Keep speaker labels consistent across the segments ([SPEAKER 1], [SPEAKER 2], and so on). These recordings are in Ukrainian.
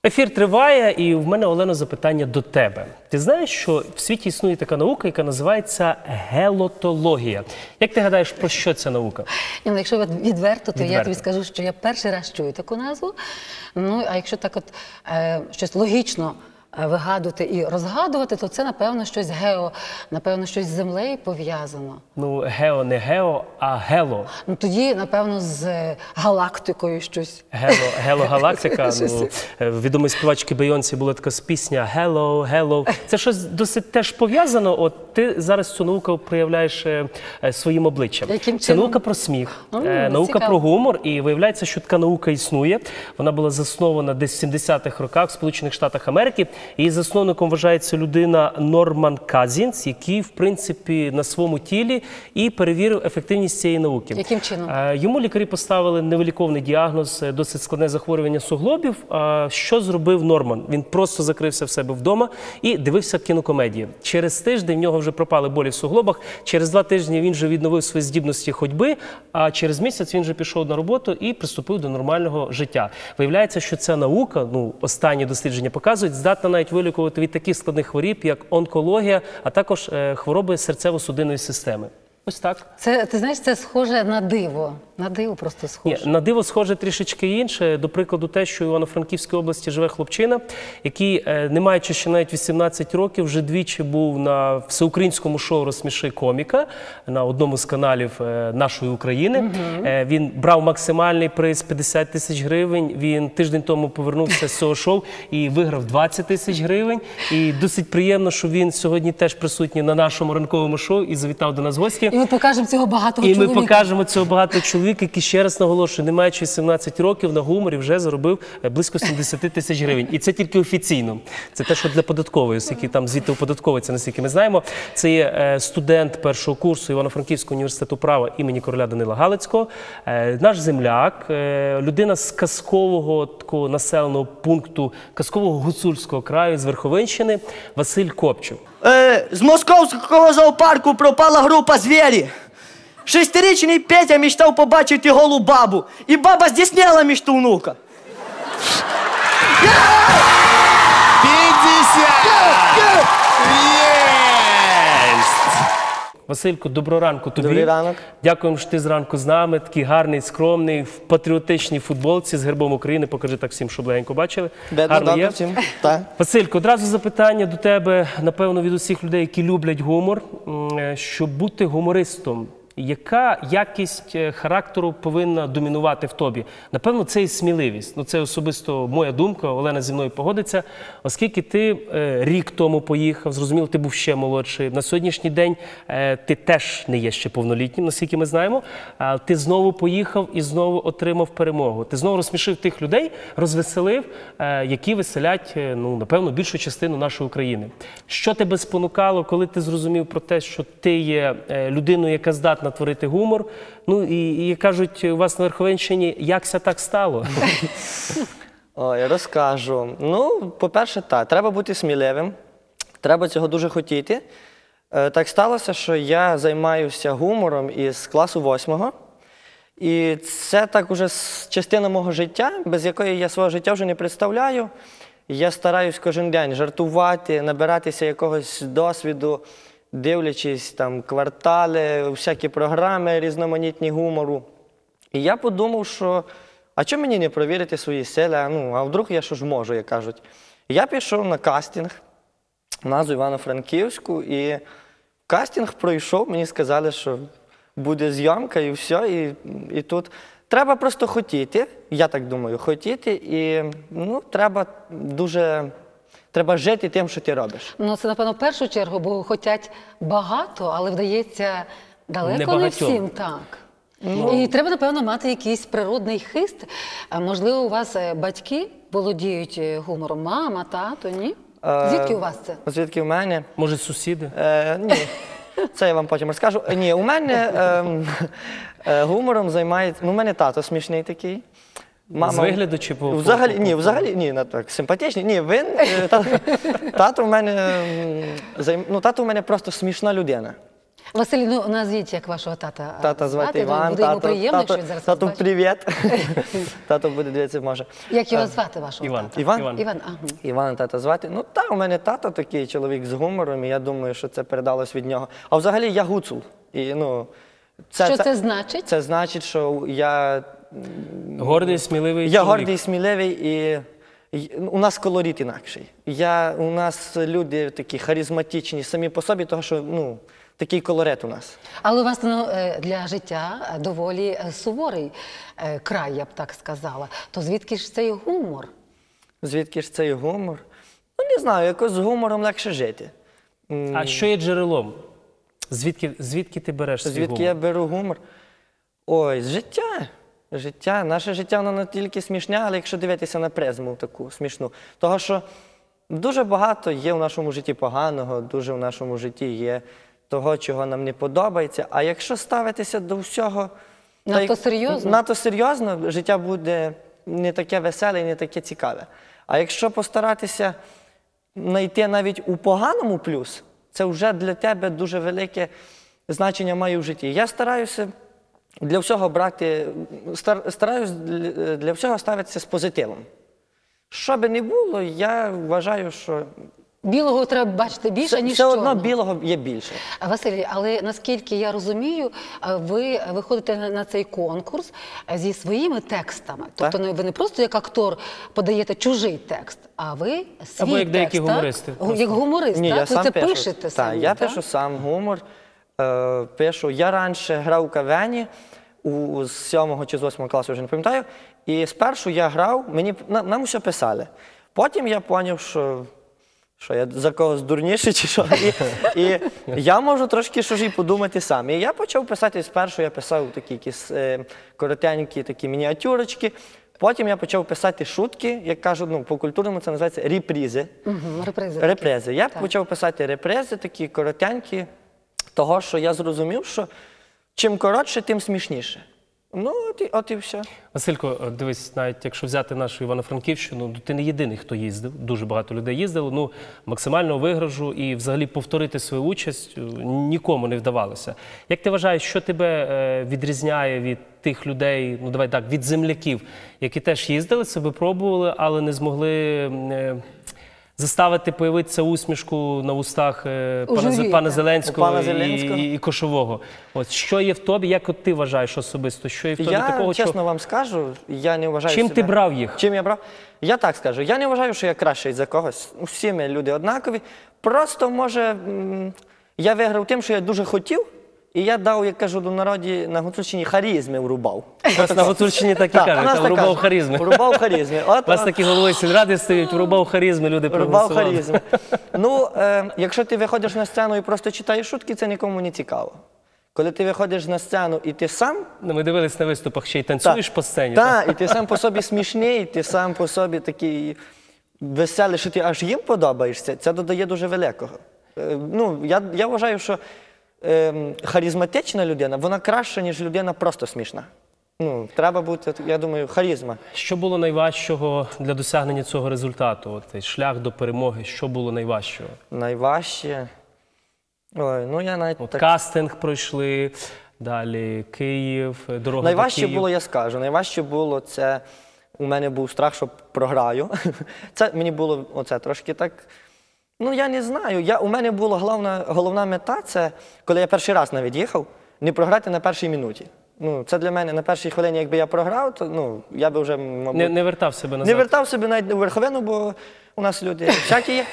[SPEAKER 1] Ефір триває, і в мене, Олено, запитання до тебе. Ти знаєш, що в світі існує така наука, яка називається гелотологія. Як ти гадаєш, про що ця наука?
[SPEAKER 2] Якщо відверто, то я тобі скажу, що я перший раз чую таку назву. Ну, а якщо так от щось логічно вигадувати і розгадувати, то це, напевно, щось напевно, щось з землею пов'язано.
[SPEAKER 1] Ну, гео не гео, а гело.
[SPEAKER 2] Ну, тоді, напевно, з галактикою щось.
[SPEAKER 1] Гело-галактика. Ну, відомої співачки Бейонсі була така пісня «Hello, hello». Це щось досить теж пов'язано. От ти зараз цю науку проявляєш своїм обличчям.
[SPEAKER 2] Яким
[SPEAKER 1] Це
[SPEAKER 2] чином?
[SPEAKER 1] наука про сміх, наука
[SPEAKER 2] цікаво.
[SPEAKER 1] про гумор. І виявляється, що така наука існує. Вона була заснована десь в 70-х роках в Сполучених Штатах Америки. Її засновником вважається людина Норман Казінс, який, в принципі, на своєму тілі і перевірив ефективність цієї науки.
[SPEAKER 2] Яким чином?
[SPEAKER 1] Йому лікарі поставили невиліковний діагноз, досить складне захворювання суглобів. Що зробив Норман? Він просто закрився в себе вдома і дивився кінокомедії. Через тиждень в нього вже пропали болі в суглобах, через 2 тижні він вже відновив свої здібності ходьби, а через місяць він вже пішов на роботу і приступив до нормального життя. Виявляється, що ця наука, останні дослідження показують, здатна навіть вилікувати від таких складних хворіб, як онкологія, а також хвороби серцево-судинної системи. Ось так.
[SPEAKER 2] Ти знаєш, це схоже на диво. На диво просто схоже.
[SPEAKER 1] Ні, на диво схоже трішечки інше. До прикладу, те, що в Івано-Франківській області живе хлопчина, який, не маючи ще навіть 18 років, вже двічі був на всеукраїнському шоу «Розсміши коміка» на одному з каналів нашої України. Він брав максимальний приз 50 тисяч гривень. Він тиждень тому повернувся з цього шоу і виграв 20 тисяч гривень. І досить приємно, що він сьогодні теж присутній на нашому ранковому шоу і завітав до нас в гості.
[SPEAKER 2] І ми покажемо цього багатого
[SPEAKER 1] чоловіка.
[SPEAKER 2] І ми
[SPEAKER 1] покажемо цього багатого чоловіка, який, ще раз наголошую, не маючи 17 років, на гуморі вже заробив близько 70 тисяч гривень. І це тільки офіційно. Це те, що для податкової, оскільки там звідти оподатковується, наскільки ми знаємо. Це є студент першого курсу Івано-Франківського університету права імені короля Данила Галицького. Наш земляк, людина з казкового такого населеного пункту, казкового гуцульського краю, з Верховинщини, Василь Копчук.
[SPEAKER 3] З московського зоопарку пропала група «Звірі». 6-річний Петя мечтав побачити голу бабу. І баба здійснила мечту внука.
[SPEAKER 4] 50! Єсть!
[SPEAKER 1] Василько, доброго ранку тобі.
[SPEAKER 3] Добрий ранок.
[SPEAKER 1] Дякуємо, що ти зранку з нами. Такий гарний, скромний, в патріотичній футболці з гербом України. Покажи так всім, щоб легенько бачили. Гарно є? Василько, одразу запитання до тебе, напевно, від усіх людей, які люблять гумор. Щоб бути гумористом, яка якість характеру повинна домінувати в тобі? Напевно, це і сміливість. Ну, це особисто моя думка, Олена зі мною погодиться. Оскільки ти рік тому поїхав, зрозуміло, ти був ще молодший. На сьогоднішній день ти теж не є ще повнолітнім, наскільки ми знаємо. Ти знову поїхав і знову отримав перемогу. Ти знову розсмішив тих людей, розвеселив, які веселять, напевно, більшу частину нашої України. Що тебе спонукало, коли ти зрозумів про те, що ти є людиною, яка здатна творити гумор? Ну, і кажуть, у вас на Верховинщині, якся так стало?
[SPEAKER 3] Ой, розкажу. Ну, по-перше, так, треба бути сміливим, треба цього дуже хотіти. Так сталося, що я займаюся гумором із класу 8-го. І це так уже частина мого життя, без якої я свого життя вже не представляю. Я стараюсь кожен день жартувати, набиратися якогось досвіду, дивлячись там квартали, всякі програми різноманітні гумору. І я подумав, що а чому мені не провірити свої сили, а вдруг я що ж можу, як кажуть. Я пішов на кастинг в нас у Івано-Франківську, і кастинг пройшов, мені сказали, що буде зйомка і все, і тут. Треба просто хотіти, я так думаю, хотіти, і треба жити тим, що ти робиш.
[SPEAKER 2] Ну, це, напевно, в першу чергу, бо хотять багато, але вдається далеко не
[SPEAKER 1] Небагатьом.
[SPEAKER 2] всім, так. І треба, напевно, мати якийсь природний хист. Можливо, у вас батьки володіють гумором? Мама, тато, ні? Звідки у вас це?
[SPEAKER 3] Звідки в мене?
[SPEAKER 1] Може, сусіди?
[SPEAKER 3] Ні, це я вам потім розкажу. Ні, у мене гумором займається, у мене тато смішний такий.
[SPEAKER 1] Мама... З вигляду чи по...
[SPEAKER 3] Взагалі, так, симпатичний. Ні, тато в мене просто смішна людина.
[SPEAKER 2] Василь, ну назвіть, як вашого тата.
[SPEAKER 3] Тата звати Іван.
[SPEAKER 2] Буде йому приємно, якщо він зараз
[SPEAKER 3] Тату,
[SPEAKER 2] вас бачить.
[SPEAKER 3] привіт. Тато буде дивитися, може.
[SPEAKER 2] Як його звати, вашого
[SPEAKER 1] Іван.
[SPEAKER 2] тата?
[SPEAKER 3] Іван?
[SPEAKER 2] Іван, ага.
[SPEAKER 3] Івана тата звати. Ну так, у мене тато такий чоловік з гумором, і я думаю, що це передалось від нього. А взагалі я гуцул. І, ну,
[SPEAKER 2] Що це значить?
[SPEAKER 3] Це значить, що я...
[SPEAKER 1] Гордий, сміливий
[SPEAKER 3] Я
[SPEAKER 1] чоловік.
[SPEAKER 3] гордий, сміливий і у нас колорит інакший. У нас люди такі харизматичні самі по собі, тому що, ну, такий колорит у нас.
[SPEAKER 2] Але у вас ну, для життя доволі суворий край, я б так сказала. То звідки ж цей гумор?
[SPEAKER 3] Звідки ж цей гумор? Ну, не знаю, якось з гумором легше жити.
[SPEAKER 1] А що є джерелом? Звідки ти береш свій
[SPEAKER 3] Звідки
[SPEAKER 1] гумор?
[SPEAKER 3] я беру гумор? Ой, з життя. Життя. Наше життя, воно не тільки смішне, але якщо дивитися на призму таку смішну. Того, що дуже багато є в нашому житті поганого, дуже в нашому житті є того, чого нам не подобається. А якщо ставитися до всього...
[SPEAKER 2] Надто серйозно?
[SPEAKER 3] Надто серйозно, життя буде не таке веселе і не таке цікаве. А якщо постаратися знайти навіть у поганому плюс, це вже для тебе дуже велике значення має в житті. Я стараюся для всього брати, стараюсь для всього ставитися з позитивом. Що би не було, я вважаю, що
[SPEAKER 2] Білого треба бачити більше, ніж
[SPEAKER 3] все одно
[SPEAKER 2] чорного.
[SPEAKER 3] білого є більше.
[SPEAKER 2] Василь, але наскільки я розумію, ви виходите на цей конкурс зі своїми текстами. Тобто ви не просто як актор подаєте чужий текст, а ви свій текст.
[SPEAKER 1] Або як деякі
[SPEAKER 2] так?
[SPEAKER 1] гумористи.
[SPEAKER 2] Як гуморист,
[SPEAKER 3] Ні,
[SPEAKER 2] так?
[SPEAKER 3] я
[SPEAKER 2] Ви
[SPEAKER 3] сам
[SPEAKER 2] це
[SPEAKER 3] пишу.
[SPEAKER 2] пишете самі,
[SPEAKER 3] я
[SPEAKER 2] так?
[SPEAKER 3] пишу сам гумор. Пишу. Я раніше грав у кавені з 7 чи з 8 класу, вже не пам'ятаю. І спершу я грав, нам усе писали. Потім я зрозумів, що я за когось дурніший чи що. І я можу трошки щось і подумати сам. І я почав писати спершу, я писав такі якісь коротенькі такі мініатюрочки. Потім я почав писати шутки, як кажуть, ну, по-культурному це називається репризи. Репризи. Я почав писати репризи, такі коротенькі, того, що я зрозумів, що чим коротше, тим смішніше. Ну, от і все.
[SPEAKER 1] Василько, дивись, навіть якщо взяти нашу Івано-Франківщину, ну, ти не єдиний, хто їздив, дуже багато людей їздило, ну, максимального вигражу і взагалі повторити свою участь нікому не вдавалося. Як ти вважаєш, що тебе відрізняє від тих людей, ну давай так, від земляків, які теж їздили, себе пробували, але не змогли заставити появитися усмішку на устах пана Зеленського і Кошового. От що є в тобі, як от ти вважаєш особисто? Що є в тобі такого,
[SPEAKER 3] Я чесно вам скажу, я не вважаю
[SPEAKER 1] чим
[SPEAKER 3] себе...
[SPEAKER 1] ти брав їх?
[SPEAKER 3] Чим я брав? Я так скажу, я не вважаю, що я кращий за когось. Всі ми люди однакові. Просто, може, я виграв тим, що я дуже хотів, і я дав, як кажу, до народі на Гуцульщині харизми врубав.
[SPEAKER 1] На Гуцульщині так і кажуть, там врубав харизми.
[SPEAKER 3] Врубав харизми.
[SPEAKER 1] У вас такі голови сільради стоять, врубав харизми, люди проголосували.
[SPEAKER 3] Врубав харизми. Ну, якщо ти виходиш на сцену і просто читаєш шутки, це нікому не цікаво. Коли ти виходиш на сцену і ти сам...
[SPEAKER 1] Ми дивились на виступах, ще й танцюєш по сцені.
[SPEAKER 3] Так, і ти сам по собі смішний, ти сам по собі такий веселий, що ти аж їм подобаєшся, це додає дуже великого. Ну, я вважаю, що харизматична людина, вона краща, ніж людина просто смішна. Ну, треба бути, я думаю, харизма.
[SPEAKER 1] Що було найважчого для досягнення цього результату? От цей шлях до перемоги, що було найважчого?
[SPEAKER 3] Найважче? Ой, ну я навіть так...
[SPEAKER 1] Кастинг пройшли, далі Київ, дорога
[SPEAKER 3] Найважче
[SPEAKER 1] до Києва.
[SPEAKER 3] було, я скажу, найважче було це, у мене був страх, що програю. Це мені було оце трошки так, ну я не знаю, у мене була головна мета, це, коли я перший раз навіть їхав, не програти на першій минуті. Ну, це для мене на першій хвилині, якби я програв, то ну, я би вже, мабуть...
[SPEAKER 1] Не вертав себе назад?
[SPEAKER 3] Не вертав себе навіть у верховину, бо у нас люди всякі є.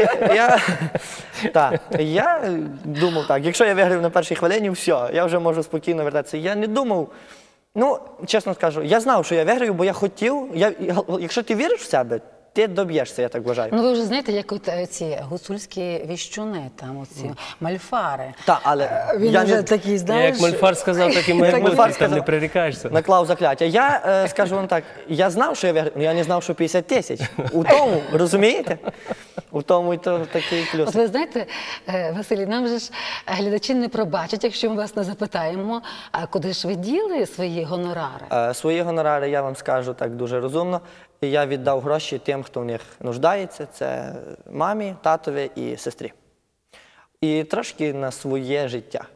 [SPEAKER 3] І я думав так, якщо я виграв на першій хвилині, все, я вже можу спокійно вертатися. Я не думав, ну, чесно скажу, я знав, що я виграю, бо я хотів, якщо ти віриш в себе, ти доб'єшся, я так вважаю.
[SPEAKER 2] Ну ви вже знаєте, як от ці гуцульські віщуни, там оці мальфари.
[SPEAKER 3] Так, але
[SPEAKER 2] він вже такий, знаєш...
[SPEAKER 1] Як Мальфар сказав, так і має бути, там не прирікаєшся.
[SPEAKER 3] Наклав закляття. Я скажу вам так, я знав, що я виграю, але я не знав, що 50 тисяч. У тому, розумієте? У тому і то такий плюс.
[SPEAKER 2] От ви знаєте, Василій, нам же ж глядачі не пробачать, якщо ми вас не запитаємо, а куди ж ви діли свої гонорари?
[SPEAKER 3] Свої гонорари, я вам скажу так дуже розумно. Я віддав гроші тим, хто в них нуждається. Це мамі, татові і сестрі. І трошки на своє життя.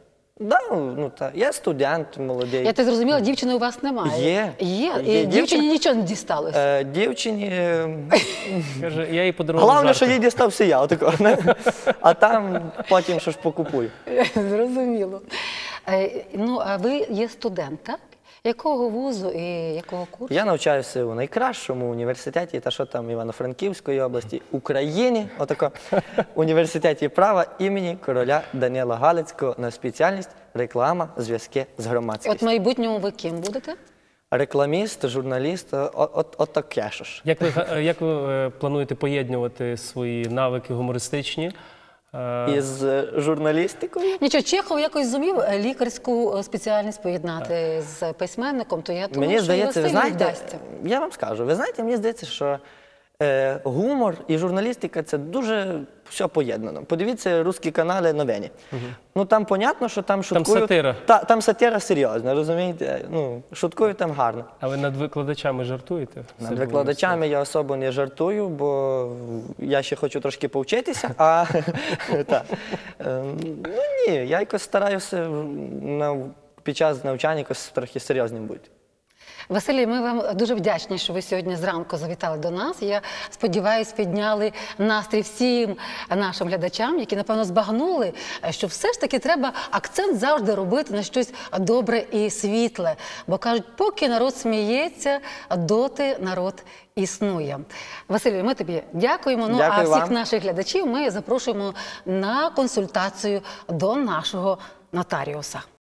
[SPEAKER 3] Да, ну, я студент молодий.
[SPEAKER 2] Я так зрозуміла, дівчини у вас немає.
[SPEAKER 3] Є.
[SPEAKER 2] І дівчині нічого не дісталося.
[SPEAKER 3] Дівчині...
[SPEAKER 1] Каже, я їй подарував
[SPEAKER 3] Головне,
[SPEAKER 1] жарти.
[SPEAKER 3] що їй дістався я, отако. А там потім що ж покупую.
[SPEAKER 2] Зрозуміло. Ну, а ви є студент, так? Якого вузу і якого курсу?
[SPEAKER 3] Я навчаюся у найкращому університеті, та що там Івано-Франківської області, Україні, отако, університеті права імені короля Данила Галицького на спеціальність реклама, зв'язки з громадськістю.
[SPEAKER 2] От в майбутньому ви ким будете?
[SPEAKER 3] Рекламіст, журналіст, от таке ж.
[SPEAKER 1] Як ви плануєте поєднувати свої навики гумористичні?
[SPEAKER 3] Із журналістикою?
[SPEAKER 2] Нічого, Чехов якось зумів лікарську спеціальність поєднати з письменником, то я думаю,
[SPEAKER 3] Мені
[SPEAKER 2] що
[SPEAKER 3] здається, ви
[SPEAKER 2] Василю
[SPEAKER 3] знаєте,
[SPEAKER 2] вдасться.
[SPEAKER 3] я вам скажу, ви знаєте, мені здається, що гумор і журналістика – це дуже все поєднано. Подивіться русські канали новини. Ну там понятно, що там шуткують.
[SPEAKER 1] Там сатира.
[SPEAKER 3] Там сатира серйозна, розумієте? Ну, шуткують там гарно.
[SPEAKER 1] А ви над викладачами жартуєте?
[SPEAKER 3] Над викладачами я особо не жартую, бо я ще хочу трошки повчитися. Ну ні, я якось стараюся під час навчання якось трохи серйозним бути.
[SPEAKER 2] Василій, ми вам дуже вдячні, що ви сьогодні зранку завітали до нас. Я сподіваюся, підняли настрій всім нашим глядачам, які, напевно, збагнули, що все ж таки треба акцент завжди робити на щось добре і світле. Бо кажуть, поки народ сміється, доти народ існує. Василю, ми тобі дякуємо. Ну, а всіх наших глядачів ми запрошуємо на консультацію до нашого нотаріуса.